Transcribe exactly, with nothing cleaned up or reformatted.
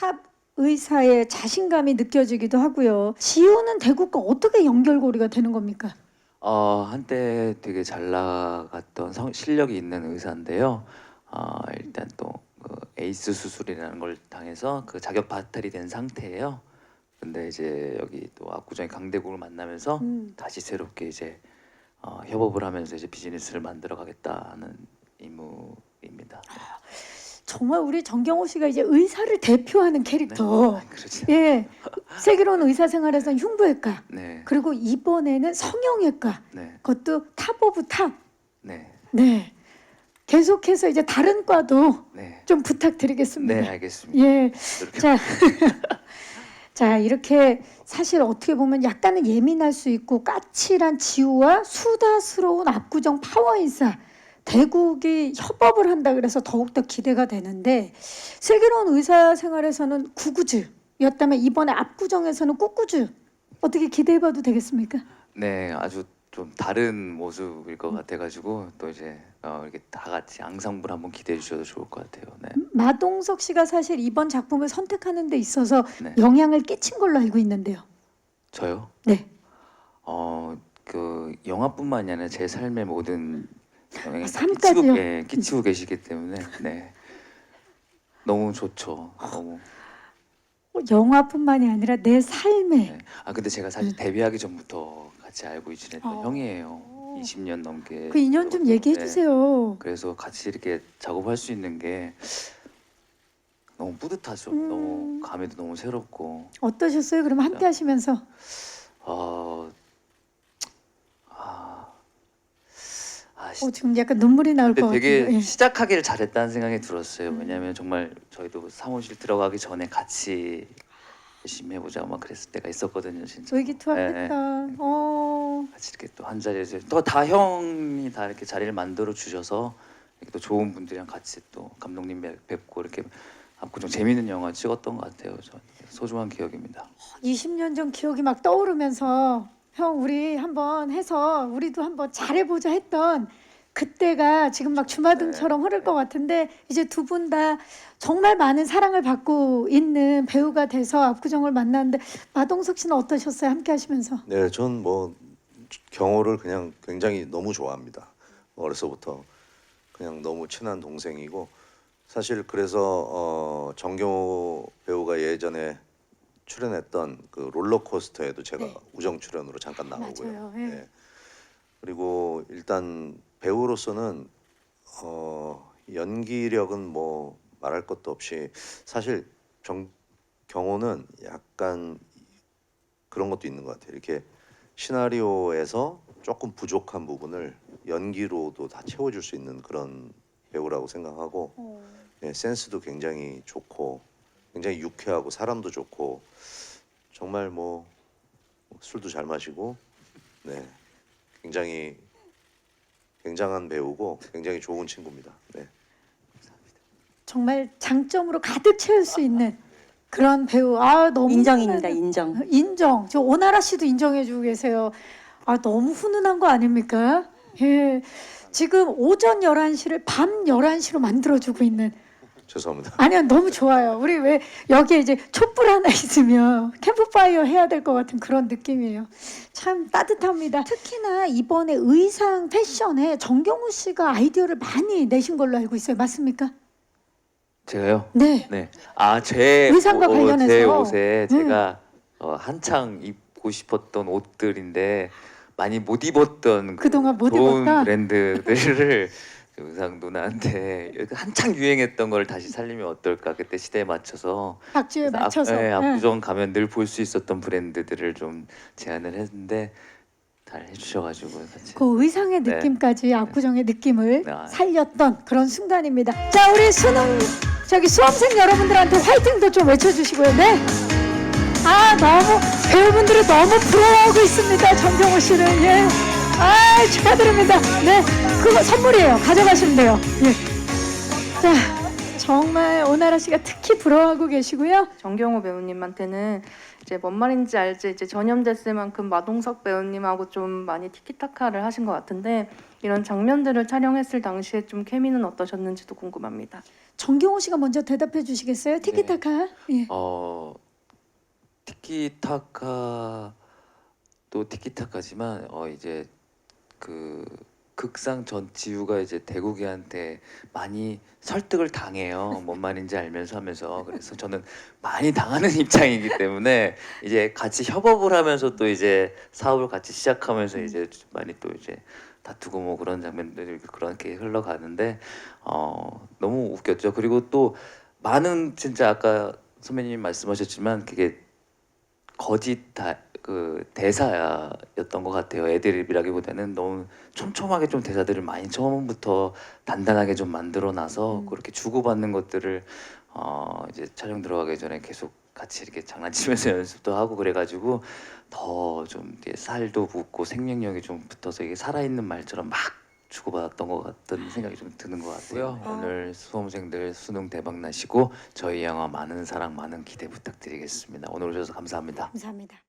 탑 의사의 자신감이 느껴지기도 하고요. 지우는 대구과 어떻게 연결고리가 되는 겁니까? 어, 한때 되게 잘 나갔던 성, 실력이 있는 의사인데요. 어, 일단 또 그 에이스 수술이라는 걸 당해서 그 자격 바탈이 된 상태예요. 근데 이제 여기 또 압구정의 강대국을 만나면서 음. 다시 새롭게 이제 어, 협업을 하면서 이제 비즈니스를 만들어 가겠다는 임무입니다. 정말 우리 정경호 씨가 이제 의사를 대표하는 캐릭터. 네. 그렇지. 예, 슬기로운 의사생활에서는 흉부외과, 네. 그리고 이번에는 성형외과. 네. 그것도 탑 오브 탑. 네. 네. 계속해서 이제 다른 과도 네. 좀 부탁드리겠습니다. 네, 알겠습니다. 예. 이렇게 자, 자 이렇게 사실 어떻게 보면 약간은 예민할 수 있고 까칠한 지우와 수다스러운 압구정 파워인사 대국이 협업을 한다 그래서 더욱더 기대가 되는데, 슬기로운 의사 생활에서는 구구즈였다면 이번에 압구정에서는 꾹구즈 어떻게 기대해봐도 되겠습니까? 네, 아주 좀 다른 모습일 것 같아가지고 또 이제 어, 이렇게 다 같이 앙상블 한번 기대해 주셔도 좋을 것 같아요. 네. 마동석 씨가 사실 이번 작품을 선택하는 데 있어서 네. 영향을 끼친 걸로 알고 있는데요. 저요? 네. 어, 그 영화뿐만이 아니라 제 삶의 모든 영향을 아, 다 삶까지요? 끼치고, 예, 끼치고 계시기 때문에 네. 너무 좋죠. 너무. 영화뿐만이 아니라 내 삶에. 네. 아 근데 제가 사실 데뷔하기 전부터 같이 알고 지냈던 어. 형이에요. 이십 년 넘게. 그 인연 좀 얘기해 네. 주세요. 그래서 같이 이렇게 작업할 수 있는 게 너무 뿌듯하죠. 음. 너무 감회도 너무 새롭고. 어떠셨어요? 그럼 함께 하시면서. 어, 아, 아, 시- 어, 지금 약간 눈물이 나올 것 근데 되게 같아요. 예. 시작하기를 잘했다는 생각이 들었어요. 음. 왜냐하면 정말 저희도 사무실 들어가기 전에 같이 열심히 해보자 막 그랬을 때가 있었거든요, 진짜. 의기투합했다. 네. 어. 같이 이렇게 또 한 자리에서 또 다 형이 다 이렇게 자리를 만들어 주셔서 이렇게 또 좋은 분들이랑 같이 또 감독님 뵙- 뵙고 이렇게 압구정 재밌는 영화 찍었던 것 같아요. 저 소중한 기억입니다. 이십 년 전 기억이 막 떠오르면서 형 우리 한번 해서 우리도 한번 잘해보자 했던 그때가 지금 막 주마등처럼 흐를 것 같은데, 이제 두 분 다 정말 많은 사랑을 받고 있는 배우가 돼서 압구정을 만났는데, 마동석 씨는 어떠셨어요? 함께 하시면서. 네, 전 뭐 경호를 그냥 굉장히 너무 좋아합니다. 어려서부터 그냥 너무 친한 동생이고, 사실 그래서 어, 정경호 배우가 예전에 출연했던 그 롤러코스터에도 제가 네. 우정 출연으로 잠깐 나오고요. 맞아요. 예. 네. 그리고 일단 배우로서는 어, 연기력은 뭐 말할 것도 없이, 사실 정 경호는 약간 그런 것도 있는 것 같아요. 이렇게 시나리오에서 조금 부족한 부분을 연기로도 다 채워줄 수 있는 그런 배우라고 생각하고, 어. 네, 센스도 굉장히 좋고 굉장히 유쾌하고 사람도 좋고, 정말 뭐 술도 잘 마시고, 네, 굉장히 굉장한 배우고 굉장히 좋은 친구입니다. 네. 정말 장점으로 가득 채울 수 있는 그런 배우. 아 너무 인정입니다. 훈훈하네요. 인정. 인정. 저 오나라 씨도 인정해주고 계세요. 아 너무 훈훈한 거 아닙니까? 예. 지금 오전 열한 시를 밤 열한 시로 만들어주고 있는. 죄송합니다. 아니요 너무 좋아요. 우리 왜 여기에 이제 촛불 하나 있으면 캠프파이어 해야 될 것 같은 그런 느낌이에요. 참 따뜻합니다. 특히나 이번에 의상 패션에 정경호 씨가 아이디어를 많이 내신 걸로 알고 있어요. 맞습니까? 제가요? 네. 네. 아, 제 의상과 옷- 어, 관련해서. 제 옷에 음. 제가 어, 한창 입고 싶었던 옷들인데 많이 못 입었던 그 그동안 못 좋은 입었다? 브랜드들을 그 의상 누나한테 한창 유행했던 걸 다시 살리면 어떨까, 그때 시대에 맞춰서. 박주에 그래서 맞춰서. 압, 네, 예. 압구정 가면 늘 볼 수 있었던 브랜드들을 좀 제안을 했는데 잘 해주셔가지고 같이. 그 의상의 네. 느낌까지 압구정의 느낌을 네. 살렸던 그런 순간입니다. 자, 우리 수능 저기 수험생 여러분들한테 화이팅도 좀 외쳐주시고요. 네. 아 너무 배우분들이 너무 부러워하고 있습니다. 정경호 씨를. 예. 아 축하드립니다. 네. 그거 선물이에요. 가져가시면 돼요. 예. 자, 정말 오나라 씨가 특히 부러워하고 계시고요. 정경호 배우님한테는 이제 뭔 말인지 알지 이제 전염됐을 만큼 마동석 배우님하고 좀 많이 티키타카를 하신 것 같은데 이런 장면들을 촬영했을 당시에 좀 케미는 어떠셨는지도 궁금합니다. 정경호 씨가 먼저 대답해 주시겠어요? 티키타카. 예. 어 티키타카도 티키타카지만 어 이제 그 극상 전 지우가 이제 대국이한테 많이 설득을 당해요. 뭔 말인지 알면서 하면서 그래서 저는 많이 당하는 입장이기 때문에 이제 같이 협업을 하면서 또 이제 사업을 같이 시작하면서 이제 많이 또 이제 다투고 뭐 그런 장면들이 그렇게 흘러가는데 어 너무 웃겼죠. 그리고 또 많은 진짜 아까 선배님 말씀하셨지만 그게 거짓 다, 그 대사였던 것 같아요. 애드립이라기보다는 너무 촘촘하게 좀 대사들을 많이 처음부터 단단하게 좀 만들어놔서 음. 그렇게 주고받는 것들을 어 이제 촬영 들어가기 전에 계속 같이 이렇게 장난치면서 연습도 하고 그래가지고 더 좀 살도 붙고 생명력이 좀 붙어서 이게 살아있는 말처럼 막 주고받았던 것 같은 생각이 좀 드는 것 같고요. 아. 오늘 수험생들 수능 대박 나시고 저희 영화 많은 사랑 많은 기대 부탁드리겠습니다. 오늘 오셔서 감사합니다. 감사합니다.